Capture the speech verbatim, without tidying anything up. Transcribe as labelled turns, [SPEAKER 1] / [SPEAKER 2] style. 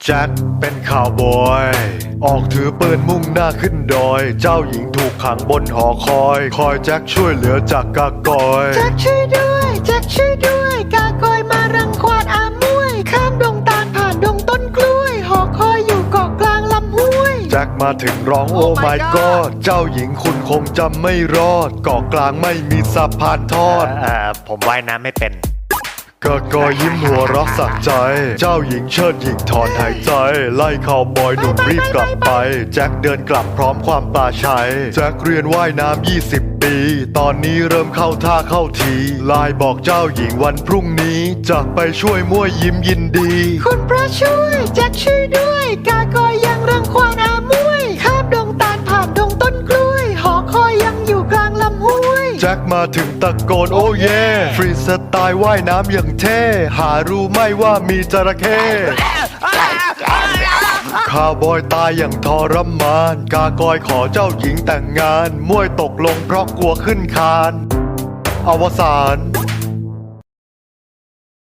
[SPEAKER 1] แจ็คเป็นข่าวบอยออกถือปืนมุ่งหน้าขึ้นดอยเจ้าหญิงถูกขังบนหอคอยคอยแจ็คช่วยเหลือจากกากอย
[SPEAKER 2] แจ็คช่วยด้วยแจ็คช่วยด้วยกากอยมารังควานอามวยข้ามดงตาลผ่านดงต้นกล้วยหอคอยอยู่เกาะกลางลำห้วย
[SPEAKER 1] แจ็คมาถึงร้องโอ้ my god เจ้าหญิงคุณคงจำไม่รอดเกาะกลางไม่มีสะพานทอด
[SPEAKER 3] เอ่อผมว่ายน้ำไม่เป็น
[SPEAKER 1] กากอยยิ้มหัวเรักสักใจเจ้าหญิงเชิดหญิงถอนหายใจไล่ข่าวบอยหนุ่มรีบกลับไปแจ็คเดินกลับพร้อมความปลาชัยแจ็คเรียนว่ายน้ำยี่สิบปีตอนนี้เริ่มเข้าท่าเข้าทีไลน์บอกเจ้าหญิงวันพรุ่งนี้จะไปช่วยมั่วยิ้มยินดี
[SPEAKER 2] คุณพระช่วยแจ็คช่วยด้วยกากอยยังรังควานอามวยข้ามดงตาลผ่านดงต้นกล้วยหอคอยยังอยู่กลางลำห้วย
[SPEAKER 1] แจ็คมาถึงตะโกนโอ้เย่ฟรีสไตล์ว่ายน้ำอย่างเท่หารู้ไหมว่ามีจระเข้ข้าวบอยตายอย่างทรมานกากอยขอเจ้าหญิงแต่งงานมวยตกลงเพราะกลัวขึ้นคานอวสาน